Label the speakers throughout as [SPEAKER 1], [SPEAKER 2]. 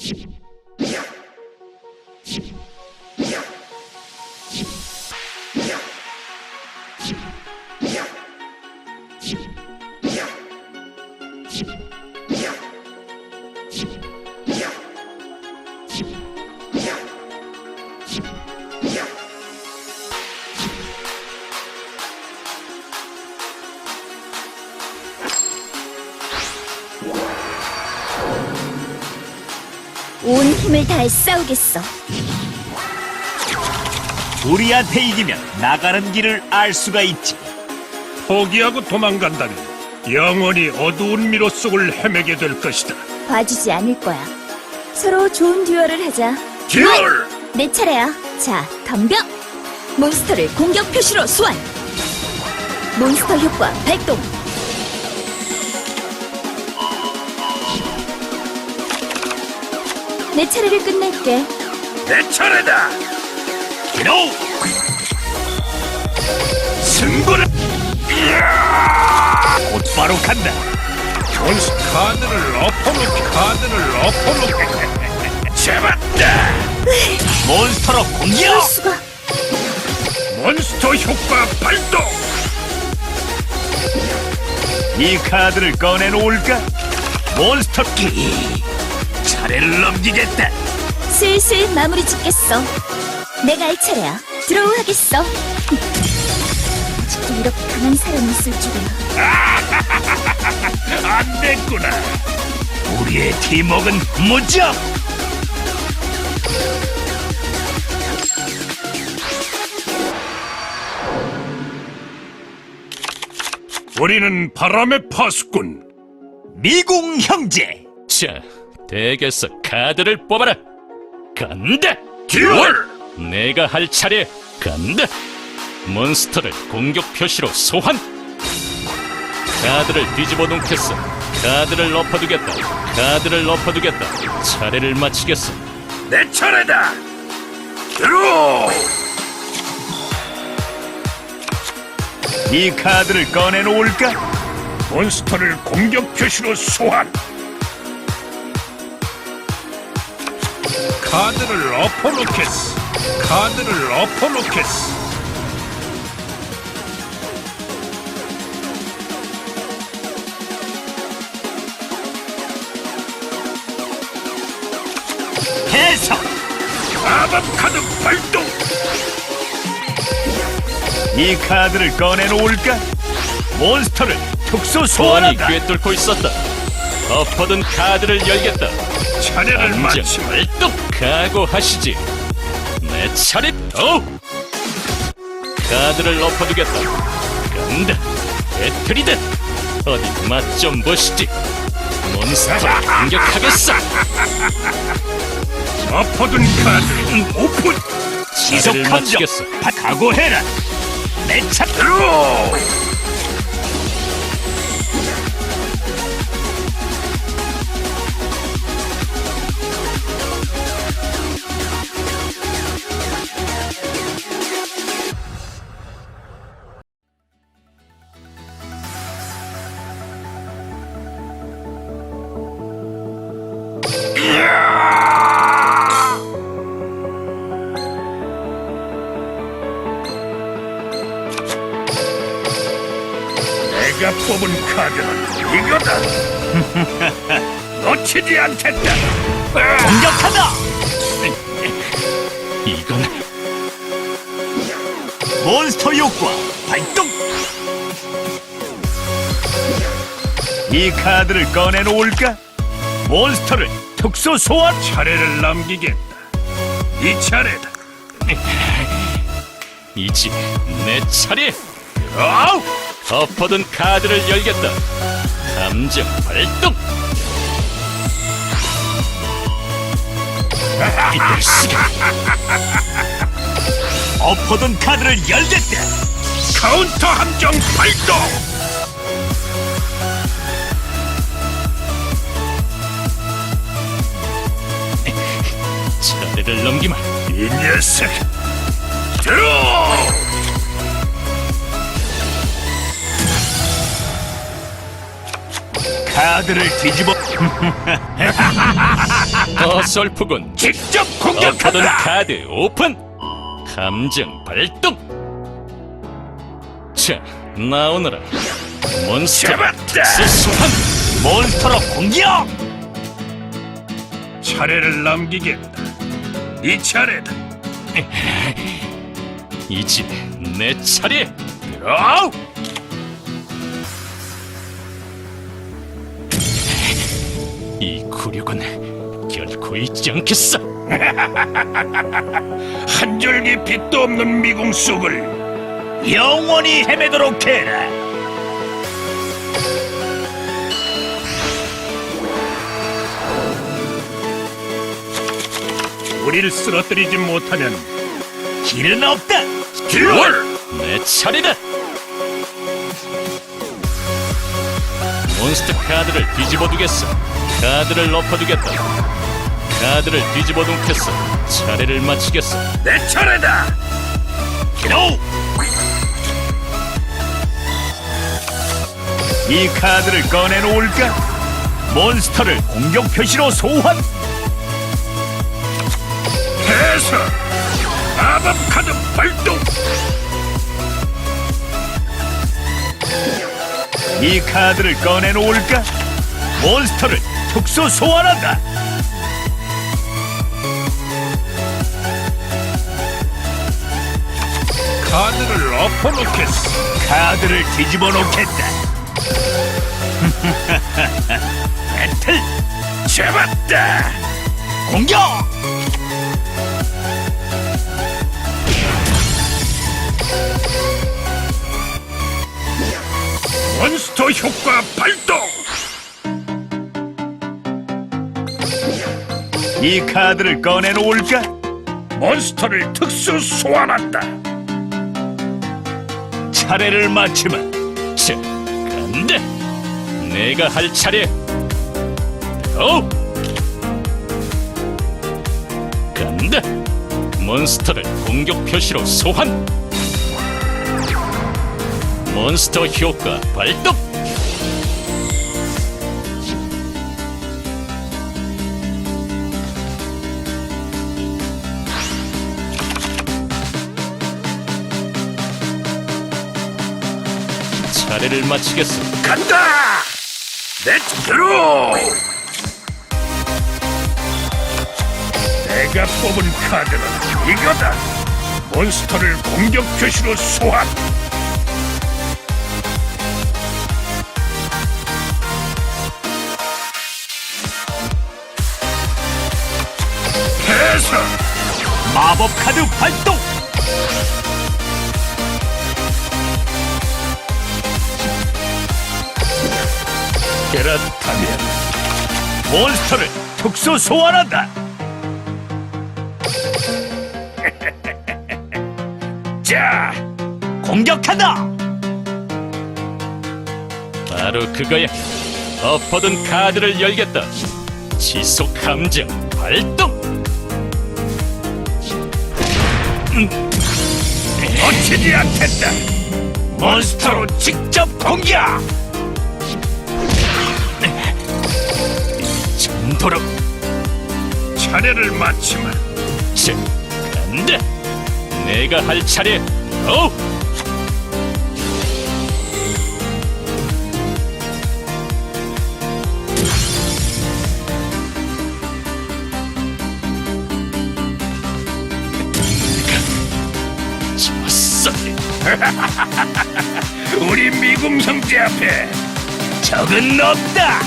[SPEAKER 1] 온 힘을 다해 싸우겠어.
[SPEAKER 2] 우리한테 이기면 나가는 길을 알 수가 있지.
[SPEAKER 3] 포기하고 도망간다면 영원히 어두운 미로 속을 헤매게 될 것이다.
[SPEAKER 1] 봐주지 않을 거야. 서로 좋은 듀얼을 하자.
[SPEAKER 3] 듀얼!
[SPEAKER 1] 내 차례야. 자, 덤벼! 몬스터를 공격 표시로 소환! 몬스터 효과 발동! 내 차례를 끝낼게.
[SPEAKER 3] 내 차례다! 기노! 승부를!
[SPEAKER 2] 곧바로 간다.
[SPEAKER 3] 존스 카드를 엎어놓게 잡았다!
[SPEAKER 2] 몬스터로
[SPEAKER 1] 이럴
[SPEAKER 2] 공격!
[SPEAKER 1] 수가.
[SPEAKER 3] 몬스터 효과 발동!
[SPEAKER 2] 이 카드를 꺼내놓을까? 몬스터 키! 차례를 넘기겠다.
[SPEAKER 1] 슬슬 마무리 짓겠어. 내가 할 차례야. 드로우 하겠어. 아직도 이렇게 강한 사람이 있을 줄이야.
[SPEAKER 3] 안 됐구나!
[SPEAKER 2] 우리의 팀워크는 무적!
[SPEAKER 3] 우리는 바람의 파수꾼!
[SPEAKER 2] 미궁 형제!
[SPEAKER 4] 자, 덱에서 카드를 뽑아라. 간다.
[SPEAKER 3] 듀얼!
[SPEAKER 4] 내가 할 차례. 간다. 몬스터를 공격 표시로 소환. 카드를 뒤집어 놓겠어. 카드를 엎어두겠다. 카드를 엎어두겠다. 차례를 마치겠어.
[SPEAKER 3] 내 차례다! 드로우!
[SPEAKER 2] 이 카드를 꺼내놓을까?
[SPEAKER 3] 몬스터를 공격 표시로 소환! 카드를 엎어놓겠어! 카드를 엎어놓겠어!
[SPEAKER 2] 해석!
[SPEAKER 3] 마법 카드 발동!
[SPEAKER 2] 이 카드를 꺼내놓을까? 몬스터를 특수
[SPEAKER 4] 소환이
[SPEAKER 2] 소환한다.
[SPEAKER 4] 꿰뚫고 있었다. 엎어둔 카드를 열겠다.
[SPEAKER 3] 차례를
[SPEAKER 4] 안정
[SPEAKER 3] 마치면
[SPEAKER 4] 발동. 각오하시지. 내 차례. 카드를 엎어두겠다. 간다. 배틀이다. 어디 맛 좀 보시지. 몬스터를 공격하겠어.
[SPEAKER 3] 엎어둔 카드 오픈!
[SPEAKER 2] 지속
[SPEAKER 4] 차례를
[SPEAKER 2] 함정
[SPEAKER 4] 마치겠어.
[SPEAKER 2] 각오해라. 내 차.
[SPEAKER 3] 드로우! 내가 뽑은 카드는 이거다! 놓치지 않겠다!
[SPEAKER 2] 공격한다.
[SPEAKER 4] 이건
[SPEAKER 2] 몬스터 효과 발동. 이 카드를 꺼내놓을까? 몬스터를 특수 소환.
[SPEAKER 3] 차례를 남기겠다. 이 차례다.
[SPEAKER 4] 이제 내 차례.
[SPEAKER 2] 아우!
[SPEAKER 4] 엎어둔 카드를 열겠다. 감정 발동. 이럴 수가.
[SPEAKER 2] 엎어둔 카드를 열겠다.
[SPEAKER 3] 카운터 함정 발동!
[SPEAKER 4] 차례를 넘기마.
[SPEAKER 3] 이 녀석! 드로우!
[SPEAKER 2] 카드를 뒤집어
[SPEAKER 4] 어설프군.
[SPEAKER 3] 직접
[SPEAKER 4] 엎어둔
[SPEAKER 3] 공격한다.
[SPEAKER 4] 카드 오픈. 감정 발동. 자, 나오너라. 몬스터
[SPEAKER 3] 잡았다.
[SPEAKER 4] 특수 소환.
[SPEAKER 2] 몬스터로 공격!
[SPEAKER 3] 차례를 남기겠다. 이 차례다.
[SPEAKER 4] 이제 내 차례.
[SPEAKER 3] 아우!
[SPEAKER 4] 이 굴욕은 결코 잊지 않겠어.
[SPEAKER 3] 한 줄기 빛도 없는 미궁 속을
[SPEAKER 2] 영원히 헤매도록 해라.
[SPEAKER 3] 우리를 쓰러뜨리지 못하면
[SPEAKER 2] 길은 없다.
[SPEAKER 3] 듀얼!
[SPEAKER 4] 내 차례다. 몬스터 카드를 뒤집어 두겠어. 카드를 엎어두겠다. 카드를 뒤집어 놓겠어. 차례를 마치겠어.
[SPEAKER 3] 내 차례다.
[SPEAKER 2] 기노! 이 카드를 꺼내놓을까? 몬스터를 공격 표시로 소환!
[SPEAKER 3] 해서 마법 카드 발동.
[SPEAKER 2] 이 카드를 꺼내놓을까? 몬스터를 특수 소환한다!
[SPEAKER 3] 카드를 엎어놓겠어.
[SPEAKER 2] 카드를 뒤집어 놓겠다. 배틀
[SPEAKER 3] 잡았다.
[SPEAKER 2] 공격!
[SPEAKER 3] 몬스터 효과 발동.
[SPEAKER 2] 이 카드를 꺼내놓을까?
[SPEAKER 3] 몬스터를 특수 소환한다.
[SPEAKER 2] 차례를 마치면
[SPEAKER 4] 자, 간다. 내가 할 차례. 간다. 몬스터를 공격 표시로 소환. 몬스터 효과 발동. 차례를 마치겠어.
[SPEAKER 3] 간다. 렛츠 드로. 내가 뽑은 카드는 이거다. 몬스터를 공격 표시로 소환. 해서
[SPEAKER 2] 마법 카드 발동!
[SPEAKER 3] 그렇다면
[SPEAKER 2] 몬스터를 특수 소환한다!
[SPEAKER 3] 자,
[SPEAKER 2] 공격한다!
[SPEAKER 4] 바로 그거야. 엎어둔 카드를 열겠다. 지속 감정 발동.
[SPEAKER 3] 놓치지 않겠다. 몬스터로 직접 공격.
[SPEAKER 4] 정도로.
[SPEAKER 3] 차례를 마치면
[SPEAKER 4] 자, 간다. 내가 할 차례. 오! 좋았어.
[SPEAKER 3] 우리 미궁 형제 앞에
[SPEAKER 2] 적은 없다!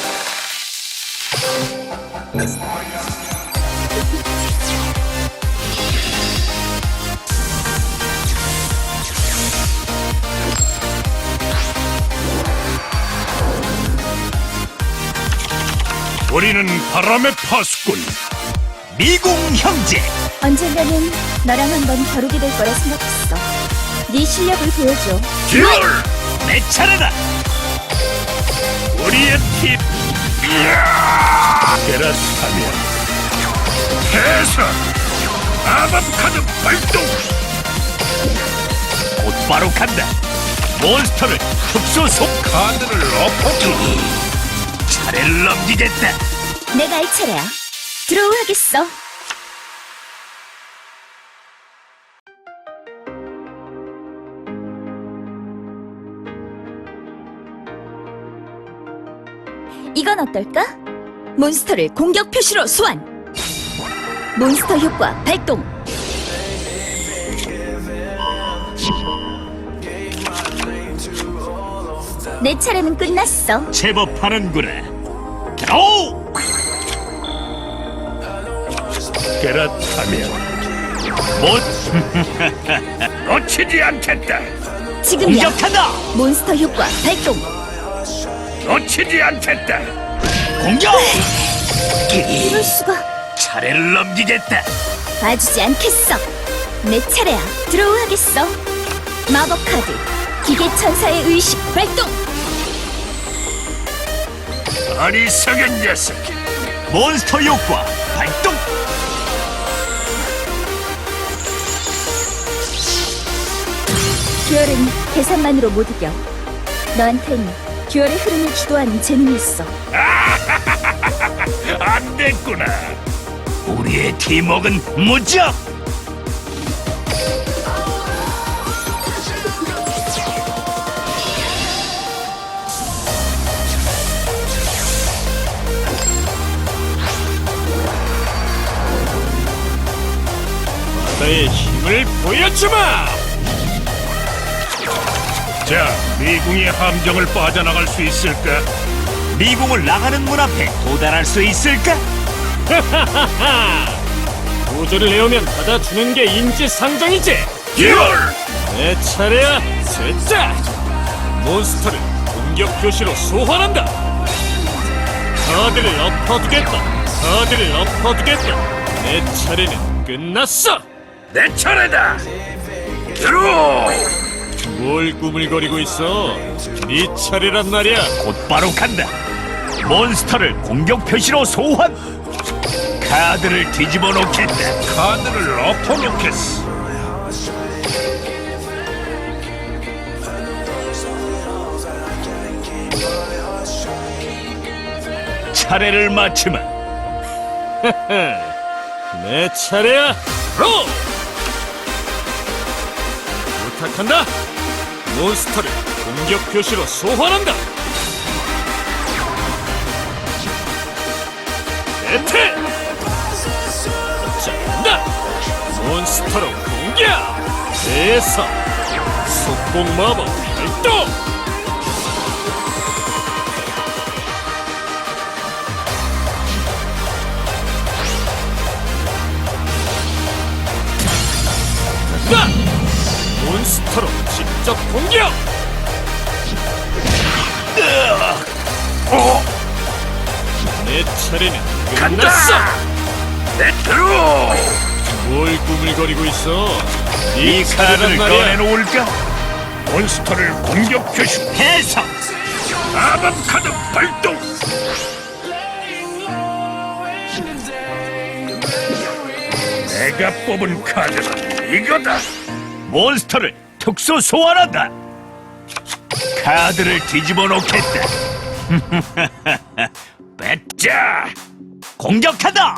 [SPEAKER 3] 우리는 바람의 파수꾼.
[SPEAKER 2] 미궁 형제!
[SPEAKER 1] 언젠가는 너랑 한번 겨루게 될 거라 생각했어. 네 실력을 보여줘.
[SPEAKER 3] 듀얼.
[SPEAKER 2] 내 차례다!
[SPEAKER 3] 우리의 팀. 그렇다면 해서 마법 카드 발동.
[SPEAKER 2] 곧바로 간다! 몬스터를 특수 소
[SPEAKER 3] 카드를 엎어줘.
[SPEAKER 2] 차례를 넘기겠다.
[SPEAKER 1] 내가 할 차례야. 드로우 하겠어. 이건 어떨까? 몬스터를 공격 표시로 소환. 몬스터 효과 발동. 내 차례는 끝났어.
[SPEAKER 2] 제법 하는구나. 오!
[SPEAKER 3] 그렇다면
[SPEAKER 2] 못
[SPEAKER 3] 놓치지 않겠다.
[SPEAKER 1] 지금이야.
[SPEAKER 2] 공격한다.
[SPEAKER 1] 몬스터 효과 발동.
[SPEAKER 3] 놓치지 않겠다.
[SPEAKER 2] 공격!
[SPEAKER 1] 이럴 수가.
[SPEAKER 2] 차례를 넘기겠다.
[SPEAKER 1] 봐주지 않겠어. 내 차례야. 드로우 하겠어. 마법 카드. 기계 천사의 의식 발동.
[SPEAKER 3] 어리석은 녀석.
[SPEAKER 2] 몬스터 효과 발동.
[SPEAKER 1] 듀얼은 계산만으로 못 이겨. 너한텐 듀얼의 흐름을 주도하는 재능이 있어.
[SPEAKER 3] 안 됐구나.
[SPEAKER 2] 우리의 팀워크는 무적.
[SPEAKER 4] 나의 힘을 보여주마!
[SPEAKER 3] 자, 미궁의 함정을 빠져나갈 수 있을까?
[SPEAKER 2] 미궁을 나가는 문 앞에 도달할 수 있을까?
[SPEAKER 4] 도저를 내오면 받아주는 게 인지상정이지!
[SPEAKER 3] 듀얼!
[SPEAKER 4] 내 차례야, 셋째! 몬스터를 공격 표시로 소환한다! 카드를 엎어두겠다! 카드를 엎어두겠다! 내 차례는 끝났어!
[SPEAKER 3] 내 차례다. 들어.
[SPEAKER 4] 뭘 꾸물거리고 있어? 네 차례란 말이야!
[SPEAKER 2] 곧바로 간다. 몬스터를 공격 표시로 소환. 카드를 뒤집어 놓겠다.
[SPEAKER 3] 카드를 엎어놓겠어.
[SPEAKER 2] 차례를 마치면
[SPEAKER 4] 내 차례야! 로! 부탁한다! 몬스터를 공격 표시로 소환한다! 에테! 자, 간다! 몬스터로 공격! 대사! 속공 마법 발동! 간다! 몬스터로 직접 공격! 내 차례는 끝났어!
[SPEAKER 3] 내 들어.
[SPEAKER 4] 뭘 꾸물거리고 있어?
[SPEAKER 2] 이 카드를 꺼내놓을까?
[SPEAKER 3] 몬스터를 공격 표시.
[SPEAKER 2] 해석.
[SPEAKER 3] 마법 카드 발동. 내가 뽑은 카드는 이거다.
[SPEAKER 2] 몬스터를 특수 소환한다. 카드를 뒤집어 놓겠다. 뱉자. 공격한다.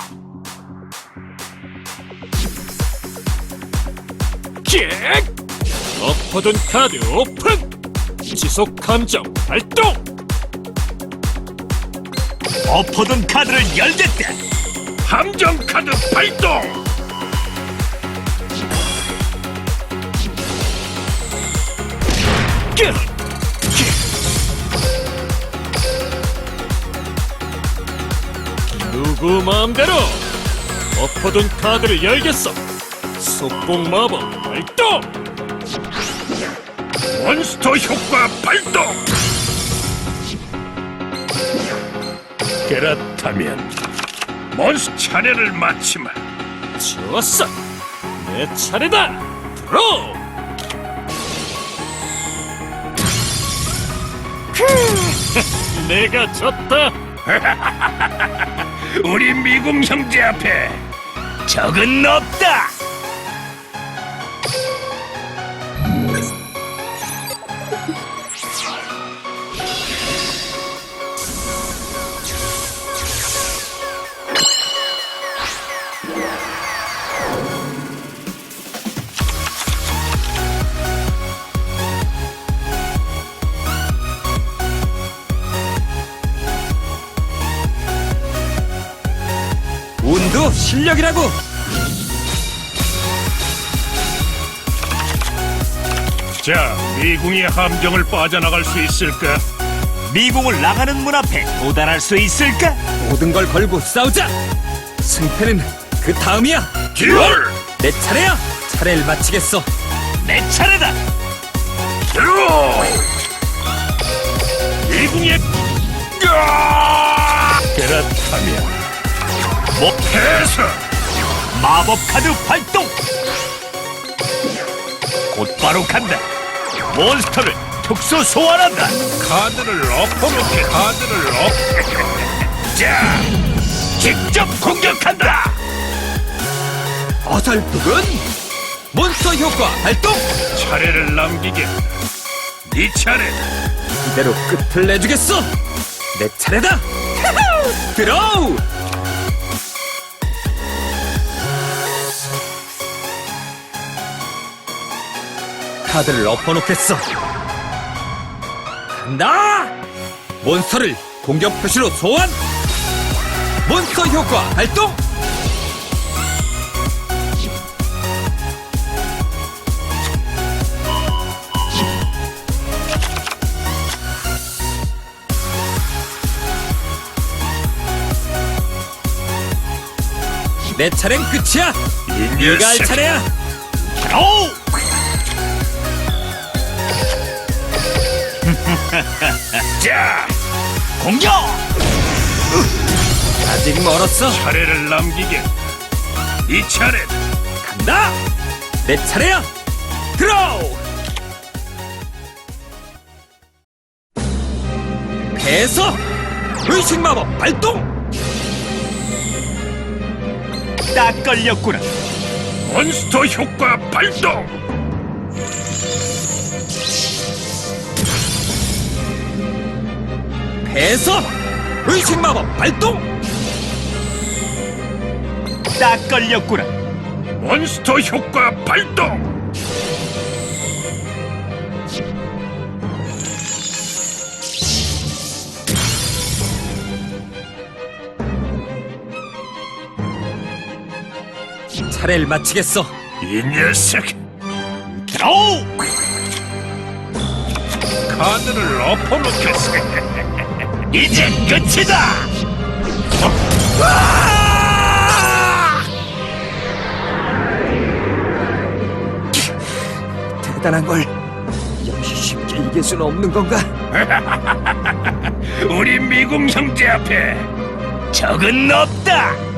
[SPEAKER 4] 킥! 엎어둔 카드 오픈! 지속 감정 발동!
[SPEAKER 2] 엎어둔 카드를 열겠다.
[SPEAKER 3] 함정 카드 발동.
[SPEAKER 4] 누구 마음대로 엎어둔 카드를 열겠어! 속공 마법 발동!
[SPEAKER 3] 몬스터 효과 발동. 그렇다면 몬스터 차례를 마치마.
[SPEAKER 4] 좋았어! 내 차례다! 들어! 내가 졌다!
[SPEAKER 3] 우리 미궁 형제 앞에
[SPEAKER 2] 적은 없다.
[SPEAKER 5] 실력이라고.
[SPEAKER 3] 자, 미궁의 함정을 빠져나갈 수 있을까?
[SPEAKER 2] 미궁을 나가는 문 앞에 도달할 수 있을까?
[SPEAKER 5] 모든 걸 걸고 싸우자. 승패는 그 다음이야.
[SPEAKER 3] 듀얼!
[SPEAKER 5] 내 차례야. 차례를 마치겠어.
[SPEAKER 2] 내 차례다.
[SPEAKER 3] 드로우! 미궁의 그렇다면 목해서
[SPEAKER 2] 마법 카드 발동. 곧바로 간다. 몬스터를 특수 소환한다.
[SPEAKER 3] 카드를 엎어놓게 카드를 자,
[SPEAKER 2] 직접 공격한다.
[SPEAKER 5] 어설프군. 몬스터 효과 발동.
[SPEAKER 3] 차례를 남기겠다. 네 차례다.
[SPEAKER 5] 이대로 끝을 내주겠어. 내 차례다. 드로우. 카드를 엎어놓겠어. 간다. 몬스터를 공격 표시로 소환. 몬스터 효과 발동. 내 차례는 끝이야.
[SPEAKER 3] 이
[SPEAKER 5] 네가 할
[SPEAKER 3] 녀석.
[SPEAKER 5] 차례야.
[SPEAKER 2] 오!
[SPEAKER 3] 자,
[SPEAKER 2] 공격!
[SPEAKER 5] 아직 멀었어.
[SPEAKER 3] 차례를 남기겠다. 네 차례다.
[SPEAKER 5] 간다. 내 차례야. 드로우. 배서 의식 마법 발동.
[SPEAKER 2] 딱 걸렸구나.
[SPEAKER 3] 몬스터 효과 발동.
[SPEAKER 5] 배서 의식 마법 발동.
[SPEAKER 2] 딱 걸렸구나.
[SPEAKER 3] 몬스터 효과 발동.
[SPEAKER 5] 차례를 마치겠어.
[SPEAKER 3] 이 녀석.
[SPEAKER 2] 드로우!
[SPEAKER 3] 카드를 엎어놓겠어.
[SPEAKER 2] 이제 끝이다.
[SPEAKER 5] 대단한 걸 역시 쉽게 이길 수는 없는 건가?
[SPEAKER 3] 우리 미궁 형제 앞에
[SPEAKER 2] 적은 없다.